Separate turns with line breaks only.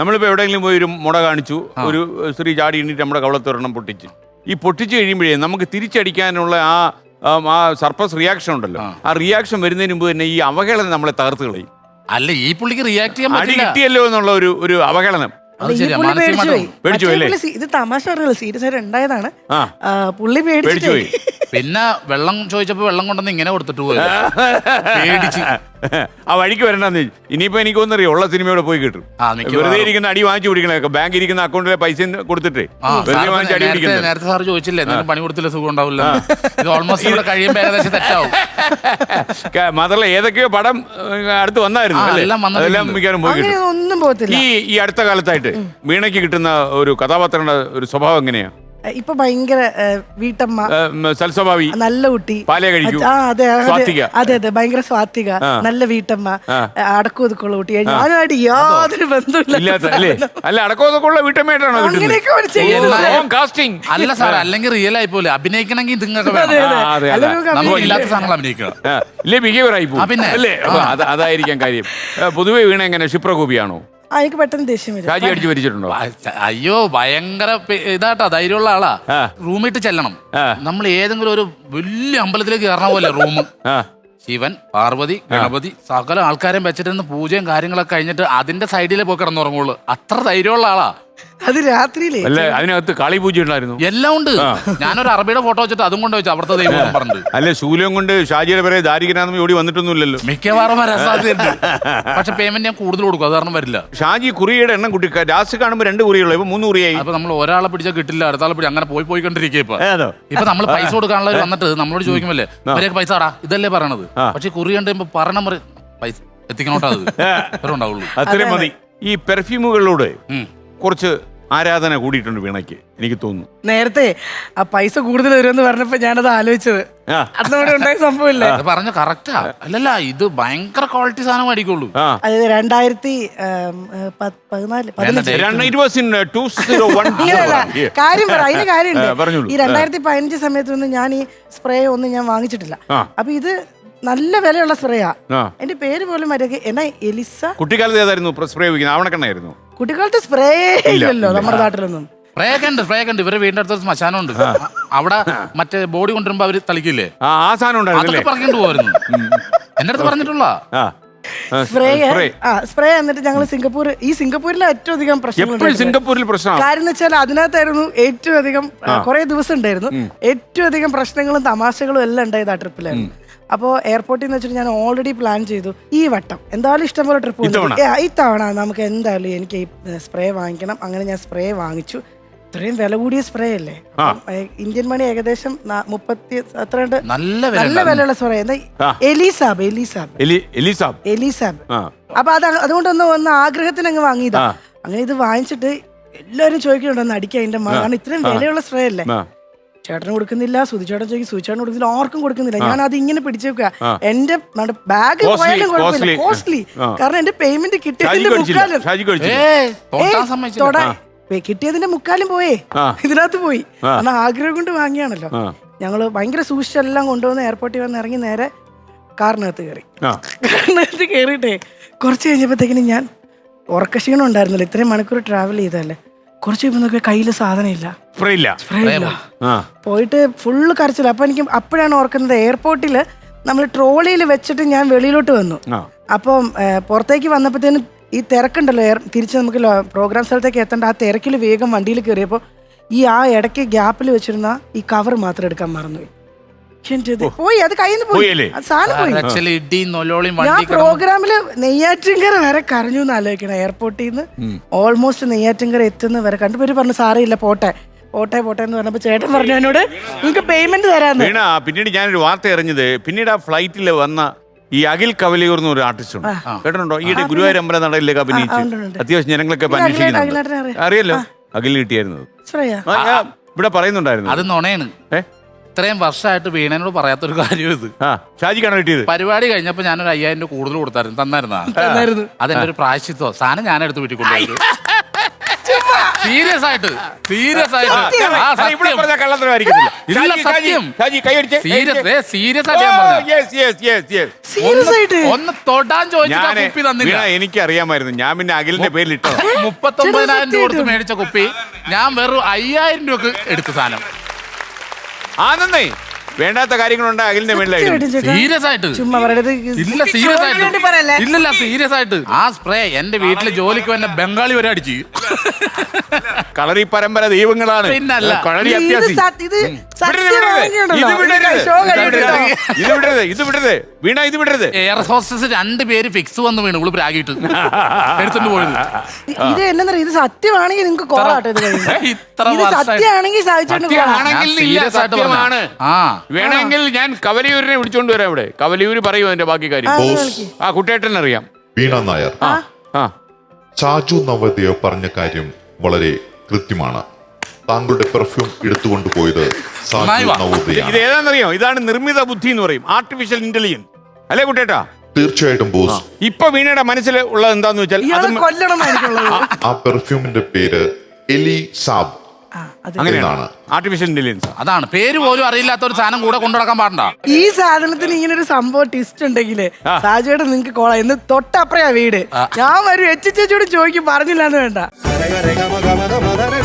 നമ്മളിപ്പോൾ എവിടെയെങ്കിലും പോയി ഒരു മുട കാണിച്ചു, ഒരു സ്ത്രീ ചാടി എണ്ണീറ്റ് നമ്മുടെ കവളത്തൊരെണ്ണം പൊട്ടിച്ച്. ഈ പൊട്ടിച്ച് കഴിയുമ്പോഴേ നമുക്ക് തിരിച്ചടിക്കാനുള്ള ആ സർപ്പസ് റിയാക്ഷൻ ഉണ്ടല്ലോ, ആ റിയാക്ഷൻ വരുന്നതിന് മുമ്പ് തന്നെ ഈ അവഹേളനം നമ്മളെ തകർത്ത് കളയും.
അല്ല, ഈ പുള്ളിക്ക് റിയാക്ട് ചെയ്യാൻ
അടി കിട്ടിയല്ലോ എന്നുള്ള ഒരു അവഹേളനം. പേടിച്ചു അല്ലേ?
ഇത് തമാശ പറഞ്ഞല്ലോ, സീരിയസ് ആയിട്ട് ഉണ്ടായതാണ്. പുള്ളി പേടിച്ചു പോയി.
പിന്നെ വെള്ളം ചോദിച്ചപ്പോ വെള്ളം കൊണ്ടുവന്ന് ഇങ്ങനെ കൊടുത്തിട്ട് പോയി.
ആ വഴിക്ക് വരണ്ടെന്ന്. ഇനിയിപ്പോ എനിക്കൊന്നറിയോ, ഉള്ള സിനിമയോടെ പോയി കിട്ടും. വെറുതെ ഇരിക്കുന്ന അടി വാങ്ങിച്ചു പിടിക്കണേ, ബാങ്ക് ഇരിക്കുന്ന അക്കൗണ്ടിലെ പൈസ കൊടുത്തിട്ട്
നേരത്തെ സാർ ചോദിച്ചില്ലേ എന്തെങ്കിലും പണി കൊടുത്തില്ല സുഖം ഉണ്ടാവില്ല. ഇത് ഓൾമോസ്റ്റ് ഇവിടെ കഴിയുമ്പോ ഏകദേശം തെറ്റാവും.
മാത്രമല്ല ഏതൊക്കെയോ പടം അടുത്ത് വന്നായിരുന്നു, അതെല്ലാം മിക്കവാറും പോയി കിട്ടും. ഈ അടുത്ത കാലത്തായിട്ട് വീണയ്ക്ക് കിട്ടുന്ന ഒരു കഥാപാത്രങ്ങളുടെ ഒരു സ്വഭാവം എങ്ങനെയാ?
ഇപ്പൊ ഭയങ്കര വീട്ടമ്മ,
സൽസ്വഭാവി,
നല്ല കുട്ടി,
പാലേ കഴിക്കൂ,
അതെ അതെ ഭയങ്കര സ്വാത്വിക, നല്ല വീട്ടമ്മ, അടക്കം ഒതുക്കുള്ള കുട്ടി. ഞാനായിട്ട് യാതൊരു ബന്ധമില്ല.
അല്ല, അടക്കം ഒതുക്കുള്ള വീട്ടമ്മയായിട്ടാണോ?
അല്ല സാർ, അല്ലെങ്കിൽ റിയൽ ആയി പോലെ അഭിനയിക്കണമെങ്കിൽ നിങ്ങൾക്ക് ഇല്ലാത്ത സാധനങ്ങൾ അഭിനയിക്കണം.
ഇല്ലേ ബിഹേവിയർ ആയി പോകും. പിന്നെ അല്ലേ, അതായിരിക്കാം കാര്യം. പൊതുവെ വീണ എങ്ങനെ ക്ഷിപ്രകോപിയാണോ?
എനിക്ക് പെട്ടെന്ന് ദേഷ്യം വരും.
ഷാജി അടിച്ചു വരിച്ചിട്ടുണ്ടോ?
അയ്യോ, ഭയങ്കര ഇതാട്ടാ, ധൈര്യമുള്ള ആളാ. റൂമിട്ട് ചെല്ലണം. നമ്മൾ ഏതെങ്കിലും ഒരു വലിയ അമ്പലത്തിലേക്ക് കയറണ പോലെ റൂം. ശിവൻ, പാർവതി, ഗണപതി, സകല ആൾക്കാരെയും വെച്ചിട്ട് പൂജയും കാര്യങ്ങളൊക്കെ കഴിഞ്ഞിട്ട് അതിന്റെ സൈഡിലെ പോയി കിടന്നുറങ്ങുള്ളൂ. അത്ര ധൈര്യമുള്ള ആളാ.
അത് രാത്രിയിലേ
അതിനകത്ത് കാളി പൂജ ഉണ്ടായിരുന്നു.
എല്ലാം ഉണ്ട്. ഞാനൊരു അറബിയുടെ ഫോട്ടോ വെച്ചിട്ട് അതും കൊണ്ട് വെച്ചു അവിടുത്തെ ദൈവം പറഞ്ഞു.
അല്ലെ, ശൂലം കൊണ്ട് ഷാജിയുടെ പേരെ ദാരികനാഥം ഓടി വന്നിട്ടൊന്നുമില്ലല്ലോ.
മിക്കവാറും വരാൻ സാധ്യതയുണ്ട്. പക്ഷെ പേയ്മെന്റ് ഞാൻ കൂടുതൽ കൊടുക്കും, അത് കാരണം വരില്ല.
ഷാജി കുറിയുടെ എണ്ണം കുട്ടി ലാസ്റ്റ് കാണുമ്പോൾ 2 കുറിയുള്ളൂ, ഇപ്പൊ 3 കുറിയായി.
അപ്പൊ നമ്മൾ ഒരാളെ പിടിച്ചാൽ കിട്ടില്ല, അടുത്താളെ പിടി അങ്ങനെ പോയിക്കൊണ്ടിരിക്കുക. ഇപ്പൊ നമ്മൾ പൈസ കൊടുക്കാനുള്ളവർ വന്നിട്ട് നമ്മളോട് ചോദിക്കുമല്ലേ ഇവരെയൊക്കെ പൈസ ആടാ ഇതല്ലേ പറയണത്. പക്ഷെ കുറി കണ്ടുമ്പോ പറയണ പൈസ എത്തിക്കണോട്ടാ, അത് ഉണ്ടാവുള്ളൂ.
അത്രയും മതി. ഈ പെർഫ്യൂമുകളിലൂടെ കുറച്ച് ആരാധന കൂടിയിട്ടുണ്ട് വീണയ്ക്ക്, എനിക്ക് തോന്നുന്നു.
നേരത്തെ ആ പൈസ കൂടുതൽ വരുമെന്ന് പറഞ്ഞപ്പോ ഞാനത് ആലോചിച്ചത് അതിനോട് ഉണ്ടായ സംഭവമില്ലേ
പറഞ്ഞ കറക്റ്റാ. അല്ലല്ല, ഇത് ഭയങ്കര ക്വാളിറ്റി സാധനം മേടിക്കുള്ളൂ.
അതായത് 2014 കാര്യം പറ, അതിന് കാര്യമുണ്ട്. ഈ 2015 സമയത്തൊന്നും ഞാൻ ഈ സ്പ്രേ ഒന്നും ഞാൻ വാങ്ങിച്ചിട്ടില്ല. അപ്പൊ ഇത് നല്ല വിലയുള്ള സ്പ്രേയാ. എന്റെ പേര് പോലും എന്നാ എലിസ.
കുട്ടിക്കാലത്ത് ഏതായിരുന്നു സ്പ്രേ ഉപയോഗിക്കുന്നത്? ആവണക്കെണ്ണായിരുന്നു.
കുട്ടിക്കാലത്ത് സ്പ്രേ ഇല്ലല്ലോ നമ്മുടെ നാട്ടിലൊന്നും.
സ്പ്രേ ഒക്കെ ഉണ്ട്. ഇവരെ വീടിന്റെ അടുത്തൊരു ശ്മശാനം ഉണ്ട്. അവിടെ മറ്റേ ബോഡി കൊണ്ടുവരുമ്പോ അവര് തളിക്കില്ലേ,
ആ സാധനം ഉണ്ടായിരുന്നു.
പറഞ്ഞിട്ട് പോയിരുന്നു, എന്റെ അടുത്ത് പറഞ്ഞിട്ടുള്ള
സ്പ്രേ. എന്നിട്ട് ഞങ്ങൾ സിംഗപ്പൂരിലെ ഏറ്റവും അധികം
സിംഗപ്പൂരിൽ പ്രശ്നം
കാര്യം എന്ന് വെച്ചാൽ അതിനകത്തായിരുന്നു ഏറ്റവും അധികം കുറെ ദിവസം ഉണ്ടായിരുന്നു. ഏറ്റവും അധികം പ്രശ്നങ്ങളും തമാശകളും എല്ലാം ഉണ്ടായത് ആ ട്രിപ്പിലായിരുന്നു. അപ്പോൾ എയർപോർട്ടിൽ നിന്ന് വെച്ചിട്ട് ഞാൻ ഓൾറെഡി പ്ലാൻ ചെയ്തു, ഈ വട്ടം എന്തായാലും ഇഷ്ടംപോലെ ട്രിപ്പ് ഇത്തവണ നമുക്ക് എന്തായാലും എനിക്ക് ഈ സ്പ്രേ വാങ്ങിക്കണം. അങ്ങനെ ഞാൻ സ്പ്രേ വാങ്ങിച്ചു. ഇത്രയും വില കൂടിയ സ്പ്രേ അല്ലേ, ഇന്ത്യൻ മണി ഏകദേശം 30 അത്രണ്ട് നല്ല വിലയുള്ള സ്പ്രേ. എന്താ എലിസാബ്. അപ്പൊ അതുകൊണ്ടൊന്ന് വന്ന ആഗ്രഹത്തിന് അങ്ങ് വാങ്ങിയതാ. അങ്ങനെ ഇത് വാങ്ങിച്ചിട്ട് എല്ലാവരും ചോദിക്കുന്നുണ്ടോ അടിക്കാൻ അതിന്റെ മണം, ഇത്രയും വിലയുള്ള സ്പ്രേ അല്ലേ. ചേട്ടന് കൊടുക്കുന്നില്ല, സുധിച്ചേട്ടൻ ചോദിക്കും, സുധിച്ചേട്ടൻ കൊടുക്കുന്നില്ല, ആർക്കും കൊടുക്കുന്നില്ല. ഞാൻ അത് ഇങ്ങനെ പിടിച്ചു വെക്കുക. എന്റെ ബാഗ് പോയാലും കുഴപ്പമില്ല, കോസ്റ്റ്ലി. കാരണം എന്റെ പേയ്മെന്റ് കിട്ടിയതിന്റെ മുക്കാലും പോയേ ഇതിനകത്ത് പോയി. എന്നാൽ ആഗ്രഹം കൊണ്ട് വാങ്ങിയാണല്ലോ. ഞങ്ങള് ഭയങ്കര സൂക്ഷിച്ചെല്ലാം കൊണ്ടുവന്ന് എയർപോർട്ടിൽ വന്ന് ഇറങ്ങി നേരെ കാറിനകത്ത് കയറിയിട്ടേ കുറച്ച് കഴിഞ്ഞപ്പോഴത്തേക്കിനും ഞാൻ ഉറക്കക്ഷീണം ഉണ്ടായിരുന്നില്ല. ഇത്രയും മണിക്കൂർ ട്രാവൽ ചെയ്തല്ലേ. കുറച്ച് കഴിയുമ്പോൾ നോക്കിയാൽ കയ്യില് സാധനം ഇല്ല, പോയിട്ട് ഫുള്ള് കരച്ചില്ല. അപ്പൊ എനിക്ക് അപ്പോഴാണ് ഓർക്കുന്നത്, എയർപോർട്ടില് നമ്മൾ ട്രോളിയിൽ വെച്ചിട്ട് ഞാൻ വെളിയിലോട്ട് വന്നു. അപ്പം പുറത്തേക്ക് വന്നപ്പോഴത്തേനും ഈ തിരക്കുണ്ടല്ലോ, തിരിച്ച് നമുക്ക് പ്രോഗ്രാം സ്ഥലത്തേക്ക് എത്തേണ്ട ആ തിരക്കിൽ വേഗം വണ്ടിയിൽ കയറിയപ്പോൾ ഈ ഇടയ്ക്ക് ഗ്യാപ്പിൽ വെച്ചിരുന്ന ഈ കവർ മാത്രം എടുക്കാൻ മറന്നുപോയി. പോയി, അത് കയ്യിൽ നിന്ന് പോയി, സാധനം പോയി. ഞാൻ പ്രോഗ്രാമില് നെയ്യാറ്റിൻകര വരെ കരഞ്ഞു എന്ന് ആലോചിക്കണം. എയർപോർട്ടിൽ നിന്ന് ഓൾമോസ്റ്റ് നെയ്യാറ്റിൻകര എത്തുന്ന വരെ കണ്ടുപേര് പറഞ്ഞു സാറിയില്ല പോട്ടെ എന്ന് പറഞ്ഞപ്പോ ചേട്ടൻ പറഞ്ഞു എന്നോട് നിങ്ങൾക്ക് പേയ്മെന്റ് തരാന്ന്.
പിന്നീട് ഞാനൊരു വാർത്ത അറിഞ്ഞത്, പിന്നീട് ആ ഫ്ലൈറ്റിൽ വന്ന ഈ അഖിൽ കവലിയൂർ എന്ന് ഒരു ആർട്ടിസ്റ്റ് ഉണ്ട്, കേട്ടിട്ടുണ്ടോ? ഈയിടെ ഗുരുവായൂർ അമ്പലം നടയിലേക്ക് അഭിനയിച്ചു അത്യാവശ്യം ജനങ്ങളൊക്കെ അന്വേഷിക്കുന്നുണ്ട്. അറിയല്ലോ, അഖിൽ കിട്ടിയായിരുന്നു. ഇവിടെ പറയുന്നുണ്ടായിരുന്നു. അത്
നുണയാണ്. ഇത്രയും വർഷമായിട്ട് വീണനോട് പറയാത്തൊരു കാര്യം ഇത്.
ഷാജിക്കാണ് കിട്ടിയത്.
പരിപാടി കഴിഞ്ഞപ്പോ ഞാനൊരു 5000 രൂപ കൂടുതൽ കൊടുത്തായിരുന്നു. തന്നായിരുന്നു. അതെന്റെ ഒരു പ്രായശ്ചിത്തോ സാധനം ഞാൻ എടുത്ത് വീട്ടിൽ കൊണ്ടുപോയി. സീരിയസ് ആയിട്ട് ആ
അല്ല, ഇവിടെ
സത്യം
പറഞ്ഞ കള്ളത്തരമായിരിക്കത്തില്ല.
ഇല്ല,
ഷാജി, ഷാജി,
സത്യം.
ഷാജി, കൈയടിച്ച്,
സീരിയസ്
കൈയടിച്ച്.
സീരിയസ് ആയിട്ട് ഞാൻ പറഞ്ഞതാ.
Yes, yes, yes, yes.
Serious ആയിട്ട്
ഒന്ന് തൊടാൻ ചോദിച്ചിട്ട്
ഞാന്
കുപ്പി തന്നില്ല.
വീണ, എനിക്കറിയാമായിരുന്നു. ഞാൻ പിന്നെ അഖിലിന്റെ പേരിൽ ഇട്ടത്.
39,000 രൂപ കൊടുത്ത് മേടിച്ച കുപ്പി ഞാൻ വെറും 5,000 രൂപക്ക് എടുത്ത സാധനം.
ആനന്ദേ, വേണ്ടാത്ത കാര്യങ്ങളുണ്ട് അഖിലിന്റെ മേളിലായിരുന്നു.
സീരിയസ് ആയിട്ട്
ചുമ്മാ പറയരുത്.
ഇല്ല, സീരിയസ് ആയിട്ട്
വേണ്ടി പറയല്ലേ?
ഇല്ലല്ല, സീരിയസ് ആയിട്ട് ആ സ്പ്രേ എന്റെ വീട്ടില് ജോലിക്ക് വന്ന ബംഗാളി വരെ അടിച്ചു.
കളറി പരമ്പര ദൈവങ്ങളാണ്.
പിന്നല്ല.
കളരി
ഇത്
അത്യാസി.
ഇത്
വിടരുത്, വിടരുത്.
സത്യമാണെന്നുണ്ടല്ലോ.
ഇത് വിടരുത്.
ഷോ കഴിഞ്ഞിട്ടോ?
ഇത് വിടരുത്, ഇത് വിടരുത്. വീണ, ഇത് വിടരുത്.
എയർ ഹോസ്റ്റസ് 2 പേര് ഫിക്സ് വന്ന് വീണ് ഇവള് പ്രാഗിട്ട് എടുത്തോണ്ട് പോയത്.
ഇത് എന്നറിയ, ഇത് സത്യമാണെങ്കിൽ നിങ്ങൾക്ക് കോറാട്ടോ ഇത് കഴിഞ്ഞ്.
ഇത്ര
ഇത്
വർഷമായി.
സത്യമാണെങ്കിൽ സാധിച്ചോണ്ട്
സത്യമാണെങ്കിൽ
ഞാൻ
ഇല്ല,
serious ആയിട്ട്
സത്യമാണ്.
ആ
വേണമെങ്കിൽ ഞാൻ കവലിയൂരിനെ വിളിച്ചോണ്ട് വരാം ഇവിടെ. കവലിയൂര് പറയൂ അതിന്റെ ബാക്കി കാര്യം.
ബോസ്
ആ കുട്ടേട്ടൻ അറിയാം.
വീണ നായർ,
ആ
ചാജു നവോദയ പറഞ്ഞ കാര്യം വളരെ കൃത്യമാണ്. താങ്കളുടെ പെർഫ്യൂം എടുത്തുകൊണ്ട് പോയത്
നന്നായി
സാജു
വാ.
ഇത്
നവോദയാണ്.
ഏതാണെന്നറിയോ? ഇതാണ് നിർമ്മിത ബുദ്ധി എന്ന് പറയും, ആർട്ടിഫിഷ്യൽ ഇന്റലിജൻസ്. അല്ലേ കുട്ടേട്ടാ?
തീർച്ചയായിട്ടും ബോസ്.
ഇപ്പൊ വീണയുടെ മനസ്സിൽ ഉള്ളത് എന്താന്ന് വെച്ചാൽ
ഇയാളെ
അതും
കൊല്ലണമെന്നായിരിക്കുള്ളത്.
ആ പെർഫ്യൂമിന്റെ പേര് എലി സാബ്
അങ്ങനെയാണ്.
എന്നാണ്.
Artificial intelligence.
അതാണ് പേര് പോലും അറിയില്ലാത്ത ഒരു സാധനം കൂടെ കൊണ്ടു നടക്കാൻ പാടണ്ട.
ഈ സാധനത്തിന് ഇങ്ങനെ ഒരു സംഭവം ടിസ്റ്റ് ഉണ്ടെങ്കില് സാജുവേട്ടൻ നിങ്ങക്ക് കോള എന്ന് തൊട്ടപ്പറയാ വീട്. ഞാൻ വരും, ചേച്ചിയോട് ചോദിക്കും, പറഞ്ഞില്ലാന്ന് വേണ്ട.